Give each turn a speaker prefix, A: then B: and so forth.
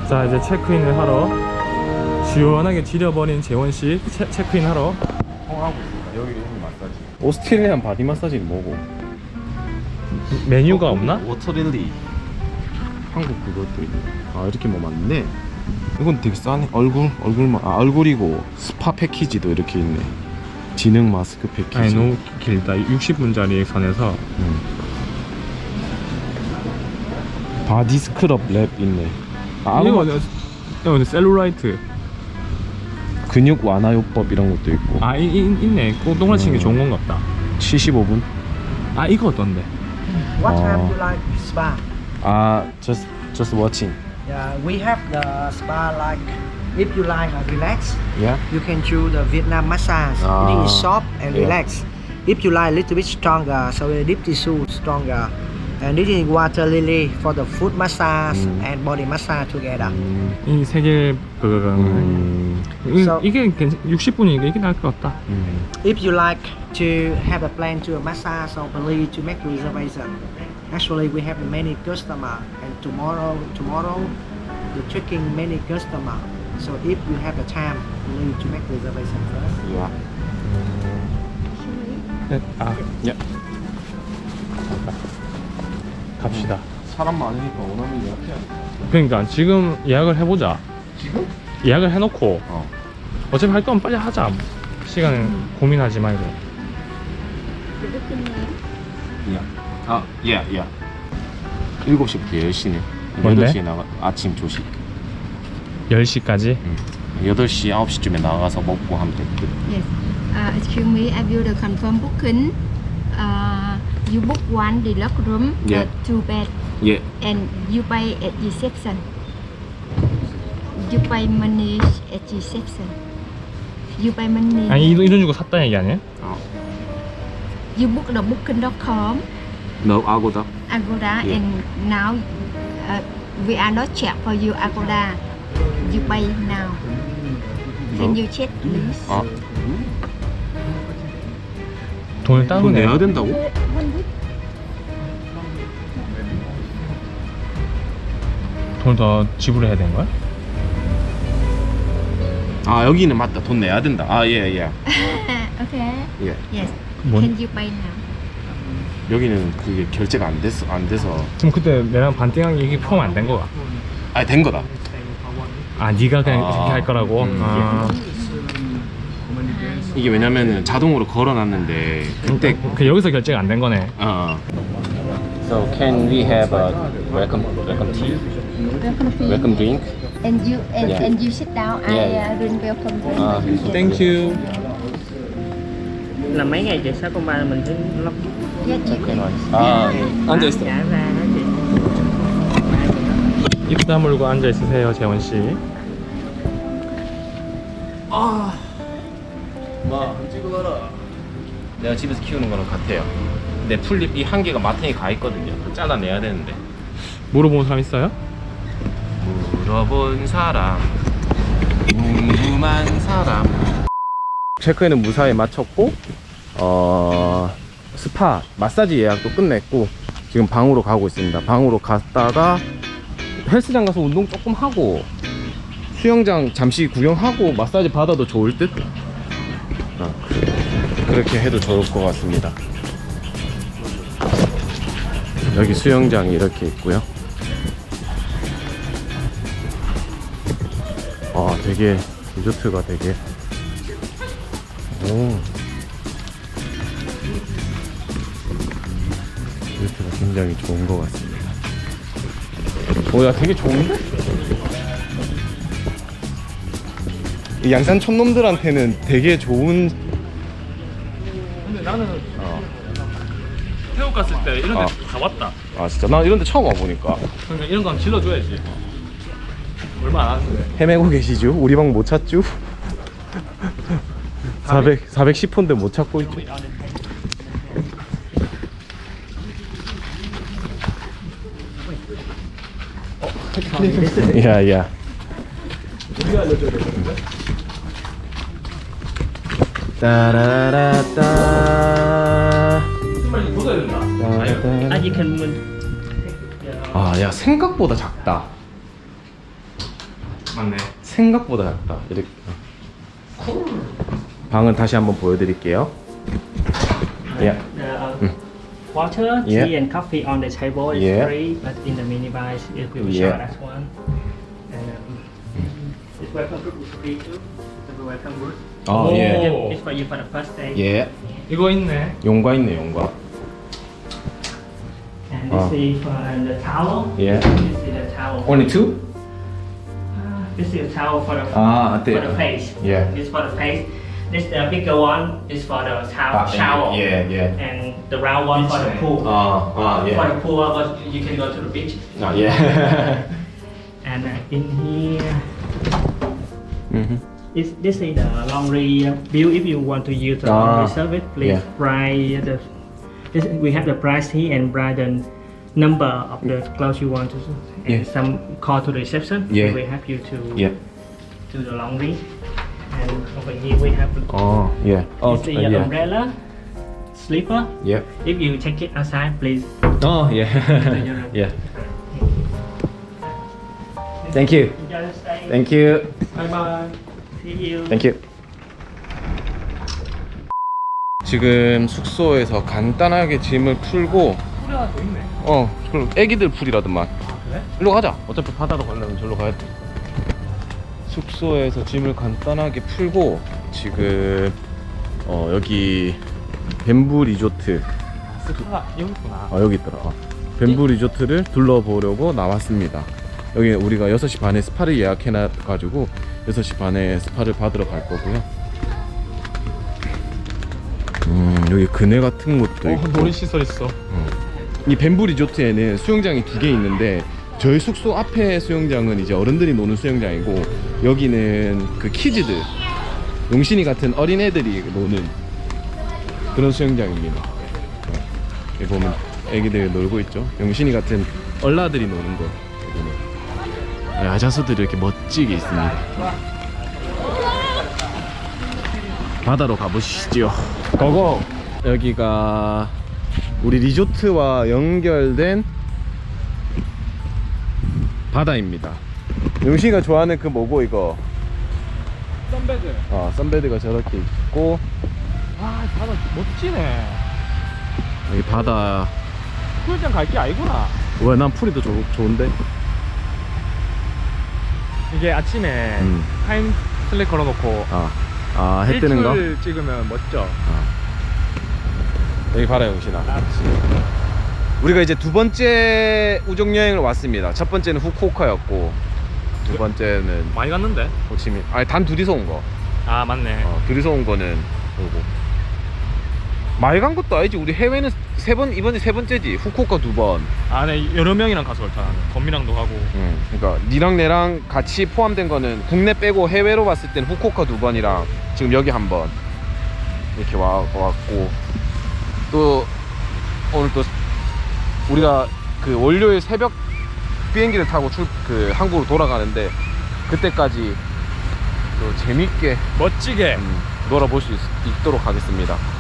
A: 자, 이제 체크인을 하러 시원하게 지려버린 재원씨 체크인 하러
B: 하고 있습니다. 여기 있는 마사지. 오스트레일리안 바디 마사지는 뭐고?
A: 메뉴가 없나?
B: 워터릴리. 한국 그것도 있네. 아 이렇게 뭐 많네. 이건 되게 싸네. 얼굴만 얼굴이고 스파 패키지도 이렇게 있네. 지능 마스크 패키지.
A: 아니 너무 길다. 60분짜리 선에서
B: 바디 스크럽 랩 있네. 아
A: 이거 셀룰라이트.
B: 근육 완화요법 이런 것도 있고.
A: 아 있네. 꼭 동그랗게 게 좋은 건가 보다.
B: 75분.
A: 아 이거 어떤데?
C: What time you like spa?
B: 아 just watching.
C: Yeah, we have the spa like if you like relax,
B: Yeah.
C: you can choose the Vietnam massage. It is soft and
B: Yeah.
C: relax. If you like a little bit stronger, so the deep tissue stronger. And this is water lily for the foot massage and body massage together.
A: 이 세 개 그거
C: So-
A: 이게 60분이니까 이게 나을 것 같다.
C: If you like to have a plan to a massage or believe to make reservation, actually we have many customer and tomorrow we're checking many customer. So if you have the time, believe to make reservation first.
B: Yeah.
A: 아
B: 야.
A: 갑시다.
B: 사람 많으니까 원하면 예약해야 돼.
A: 그러니까 지금 예약을 해보자.
B: 지금?
A: 예약을 해놓고 어차피 할 거면 빨리 하자. 시간은 고민하지 말고.
B: 야. 아, 예. 7시부터 10시네.
A: 뭔데?
B: 8시에 나가 아침 조식.
A: 10시까지?
B: 8시, 9시쯤에 나가서 먹고 하면 돼.
D: Yes. Excuse me, I will confirm booking. You book one deluxe room,
B: Yeah.
D: 2 bed,
B: 예.
D: and you pay at reception. You pay money at reception. You pay money.
A: 아니 이돈 주고 샀다는 얘기 아니야?
D: You book the booking.com,
B: 너 아고다?
D: Agoda,
B: Yeah.
D: and now we are not check for you Agoda. You pay now. Can you check, please?
B: 아,
A: 돈을 따로
B: 돈
A: 내야
B: 내야 된다고?
A: 돈을 더 지불해야 되는 거야?
B: 아, 여기는 맞다. 돈 내야 된다. 아, 예.
D: Okay.
B: 예.
D: Yes.
A: 뭔?
D: Can you pay now?
B: 여기는 그게 결제가 안 돼서
A: 그럼 그때 내랑 반띵한 게 이게 포함 안 된 거야?
B: 아, 된 거다.
A: 아 네가 그냥
B: 아.
A: 이렇게 할 거라고? 아.
B: 이게 왜냐면은 자동으로 걸어놨는데 그때
A: 그 여기서 결제가 안 된 거네.
B: So can we have a welcome tea? Welcome drink?
D: And you
B: Yeah.
D: and you sit down.
B: Yeah.
D: I will welcome you.
B: 아,
A: Thank you.
C: Là mấy ngày chị sao con ba mình phải lóc
D: Yes, you
B: 오케이,
D: can.
B: 아, 앉아 있어.
C: trả ra đó chị.
A: 입 다물고 앉아 있으세요, 재원 씨.
B: 찍어라. 내가 집에서 키우는 거랑 같아요. 근데 풀잎 이 한 개가 마탱이 가 있거든요. 잘라내야 되는데.
A: 물어본 사람 있어요?
B: 물어본 사람, 궁금한 사람. 체크인은 무사히 마쳤고, 스파 마사지 예약도 끝냈고 지금 방으로 가고 있습니다. 방으로 갔다가 헬스장 가서 운동 조금 하고 수영장 잠시 구경하고 마사지 받아도 좋을 듯. 그렇게 해도 좋을 것 같습니다. 여기 수영장이 이렇게 있고요. 되게 리조트가 되게 리조트가 굉장히 좋은 것 같습니다. 야, 되게 좋은데? 이 양산 촌놈들한테는 되게 좋은.
A: 근데 나는 태국 갔을 때 이런 데 가봤다.
B: 아 진짜 나 이런 데 처음 와보니까.
A: 그러니까 이런 거 한번 질러줘야지. 얼마 안 하는데.
B: 헤매고 계시죠? 우리 방 못 찾죠? 410호인데 못 찾고 있죠? 야. 따라라따.
A: 신발 벗어야 된다.
C: As you can win.
B: 아, 야, 생각보다 작다.
A: 맞네.
B: 생각보다 작다. 이렇게. 방은 다시 한번 보여드릴게요. 예.
E: Water,
B: Yeah.
E: tea, and coffee on the table is
B: Yeah.
E: free, but in the minibar it will be
B: Yeah.
E: charged as one. And it's welcome group is free too. The welcome group.
B: 아, 예.
A: 오.
E: It's for you for the first day.
B: 예.
A: 이거 있네.
B: 용과 있네, 용과.
E: And this is for the towel.
B: Yeah.
E: This is the towel.
B: Only two?
E: This is a towel for the
B: 아,
E: for the face.
B: Yeah.
E: This for the face. This the bigger one is for the towel shower.
B: 예.
E: And the round one for the pool.
B: 아, 예.
E: For the pool, you can go to the beach.
B: 아, 예.
E: And in here,
B: Mhm.
E: this is the laundry bill. If you want to use the
B: Ah,
E: laundry service, please
B: yeah.
E: write the. We have the price here and write the number of the clothes you want to. And
B: Yeah.
E: some call to the reception.
B: Yeah.
E: We help you to
B: 예.
E: do the laundry. And over here we have
B: 어, 예.
E: this is the umbrella, slipper.
B: 예.
E: If you check it outside, please.
B: 어, 예. 예. Thank you.
E: Enjoy the stay.
B: Thank you.
A: 바이바이.
E: See you.
B: Thank you. 지금 숙소에서 간단하게 짐을 풀고
A: 풀이 하나 더 있네.
B: 그럼 애기들 풀이라더만.
A: 그래?
B: 일로 가자. 어차피 바다로 가려면 저로 가야 돼. 숙소에서 짐을 간단하게 풀고 지금 여기 뱀부 리조트
A: 스파가 여기 있구나.
B: 여기 있더라. 뱀부 리조트를 둘러보려고 나왔습니다. 여기 우리가 6시 반에 스파를 예약해 가지고 6시 반에 스파를 받으러 갈 거고요. 여기 그네 같은 것도 있고.
A: 놀이시설 있어.
B: 이 뱀부 리조트에는 수영장이 2개 있는데 저희 숙소 앞에 수영장은 이제 어른들이 노는 수영장이고 여기는 그 키즈들 용신이 같은 어린애들이 노는 그런 수영장입니다. 여기 보면 애기들 놀고 있죠. 용신이 같은 얼라들이 노는 거. 여기는 야자수들이 이렇게 멋지게 있습니다. 바다로 가보시죠. 고고. 여기가 우리 리조트와 연결된 바다입니다. 용신이가 좋아하는 그 뭐고 이거?
A: 선베드.
B: 선베드가 저렇게 있고
A: 아, 바다 멋지네.
B: 여기 바다.
A: 풀장 갈 게 아니구나.
B: 왜 난 풀이 더 좋은데?
A: 이게 아침에 타임 슬랙 걸어놓고
B: 해 뜨는 거?
A: 일출 찍으면 멋져.
B: 여기 봐라 용신아. 우리가 이제 두 번째 우정 여행을 왔습니다. 첫 번째는 후쿠오카였고 두 번째는
A: 많이 갔는데?
B: 호치민. 아니 단 둘이서 온 거.
A: 아, 맞네.
B: 둘이서 온 거는 그리고 많이 간 것도 아니지. 우리 해외는 이번이 세 번째지. 후쿠오카 2번.
A: 아, 네, 여러 명이랑 가서 그렇다. 나는 건미랑도 가고.
B: 그러니까 니랑 내랑 같이 포함된 거는 국내 빼고 해외로 봤을 때는 후쿠오카 2번이랑 지금 여기 한 번 이렇게 왔고 또 오늘 또 우리가 그 월요일 새벽 비행기를 타고 한국으로 돌아가는데 그때까지 또 재밌게
A: 멋지게.
B: 놀아볼 수 있도록 하겠습니다.